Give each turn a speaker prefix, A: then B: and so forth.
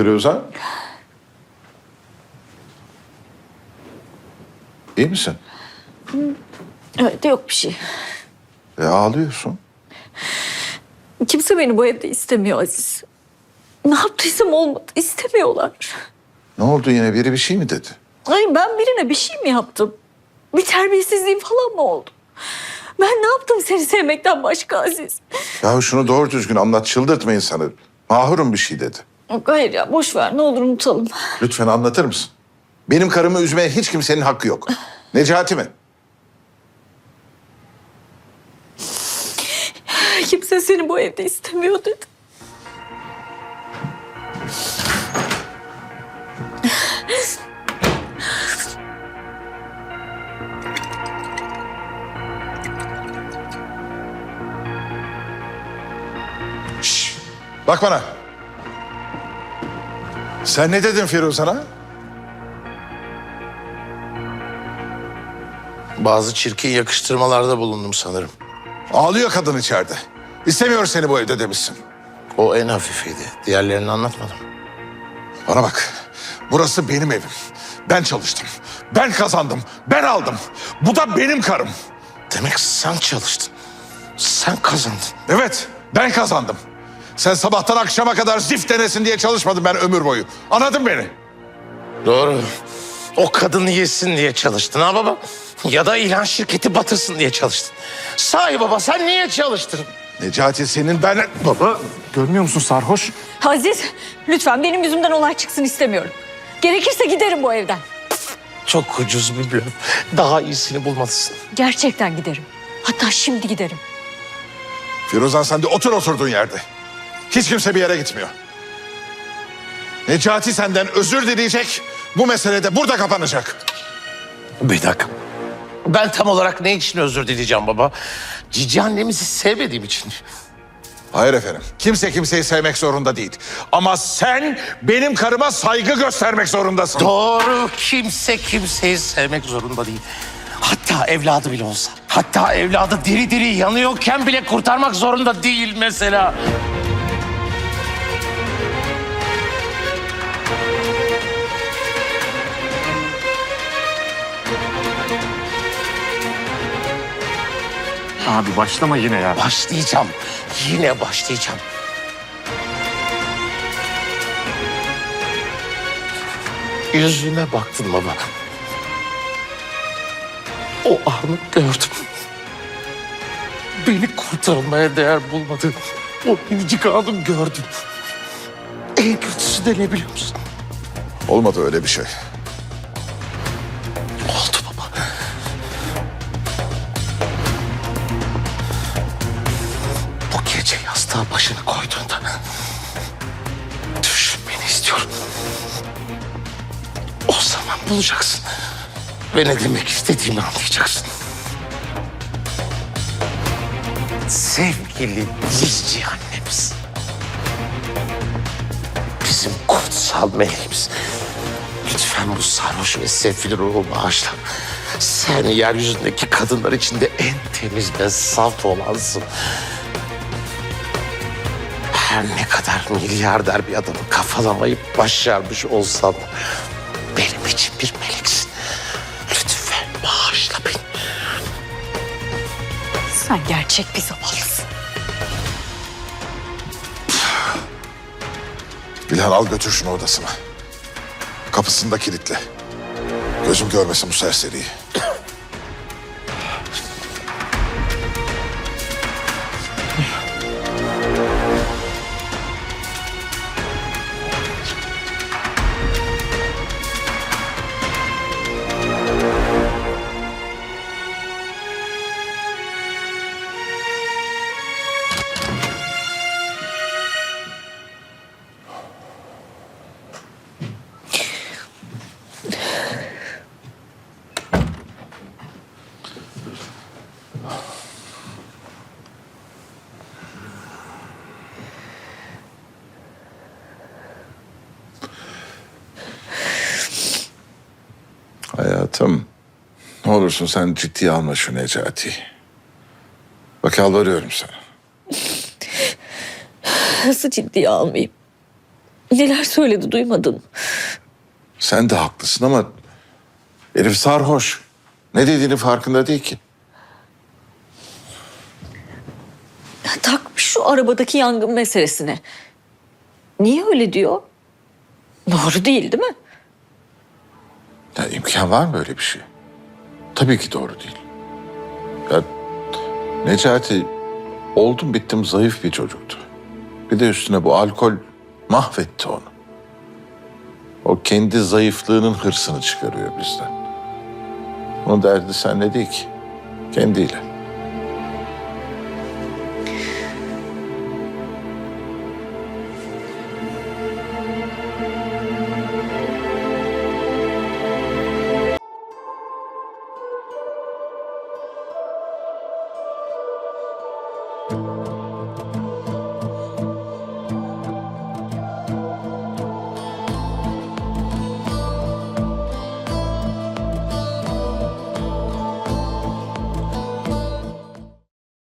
A: Firuze? İyi misin?
B: Evet, yok bir şey.
A: Ağlıyorsun.
B: Kimse beni bu evde istemiyor Aziz. Ne yaptıysam olmadı. İstemiyorlar.
A: Ne oldu yine? Biri bir şey mi dedi?
B: Ay, ben birine bir şey mi yaptım? Bir terbiyesizliğim falan mı oldu? Ben ne yaptım seni sevmekten başka Aziz?
A: Ya şunu doğru düzgün anlat. Çıldırtma insanı. Mahur'un bir şey dedi.
B: Yok, hayır ya, boş ver, ne olur unutalım.
A: Lütfen anlatır mısın? Benim karımı üzmeye hiç kimsenin hakkı yok. Necati mi?
B: Kimse seni bu evde istemiyor dedi.
A: Şşş! Bak bana. Sen ne dedin Firuzan'a?
C: Bazı çirkin yakıştırmalarda bulundum sanırım.
A: Ağlıyor kadın içeride. İstemiyor seni bu evde demişsin.
C: O en hafifiydi. Diğerlerini anlatmadım.
A: Bana bak. Burası benim evim. Ben çalıştım. Ben kazandım. Ben aldım. Bu da benim karım.
C: Demek sen çalıştın. Sen kazandın.
A: Evet, ben kazandım. Sen sabahtan akşama kadar zift denesin diye çalışmadın ben ömür boyu. Anladın beni?
C: Doğru. O kadını yesin diye çalıştın ha baba? Ya da ilan şirketi batırsın diye çalıştın. Sahi baba sen niye çalıştın?
A: Necati senin ben...
D: Baba, görmüyor musun sarhoş?
B: Aziz, lütfen benim yüzümden olay çıksın istemiyorum. Gerekirse giderim bu evden.
C: Çok ucuz bir blöf. Daha iyisini bulmalısın.
B: Gerçekten giderim. Hatta şimdi giderim.
A: Firuzan sen de otur oturduğun yerde. Hiç kimse bir yere gitmiyor. Necati senden özür dileyecek. Bu mesele de burada kapanacak.
C: Bir dakika. Ben tam olarak ne için özür dileyeceğim baba? Cici annemizi sevmediğim için.
A: Hayır efendim. Kimse kimseyi sevmek zorunda değil. Ama sen benim karıma saygı göstermek zorundasın.
C: Doğru. Kimse kimseyi sevmek zorunda değil. Hatta evladı bile olsa. Hatta evladı diri diri yanıyorken bile kurtarmak zorunda değil mesela.
D: Abi başlama yine ya.
C: Başlayacağım. Yine başlayacağım. Yüzüne baktın baba. O anı gördüm. Beni kurtarmaya değer bulmadın. O minicik anı gördüm. En kötüsü de ne biliyor musun?
A: Olmadı öyle bir şey.
C: Oldu baba. Bu gece yastığa başını koyduğunda düşünmeni istiyorum. O zaman bulacaksın. Ve ne demek istediğimi anlayacaksın. Sevgili Cici annemiz. Bizim kutsal meleğimiz. Lütfen bu sarhoş ve sefil ruhu bağışla. Sen yeryüzündeki kadınlar içinde en temiz ve saf olansın. Her ne kadar milyarder bir adamı kafalamayı başarmış olsam benim için bir meleksin. Lütfen bağışla beni.
B: Sen gerçek bir zavallısın.
A: Bilal al götür şunu odasına. Kapısını da kilitle. Gözüm görmesin bu serseriyi. Hayatım, ne olursun sen ciddiye alma şu Necati. Bak yalvarıyorum sana.
B: Nasıl ciddiye almayayım? Neler söyledi duymadın.
A: Sen de haklısın ama herif sarhoş. Ne dediğinin farkında değil ki.
B: Takmış şu arabadaki yangın meselesine. Niye öyle diyor? Doğru değil, değil mi?
A: Ya imkan var mı böyle bir şey? Tabii ki doğru değil. Ya Necati oldum bittim zayıf bir çocuktu. Bir de üstüne bu alkol mahvetti onu. O kendi zayıflığının hırsını çıkarıyor bizden. Onun derdi seninle değil ki. Kendiyle.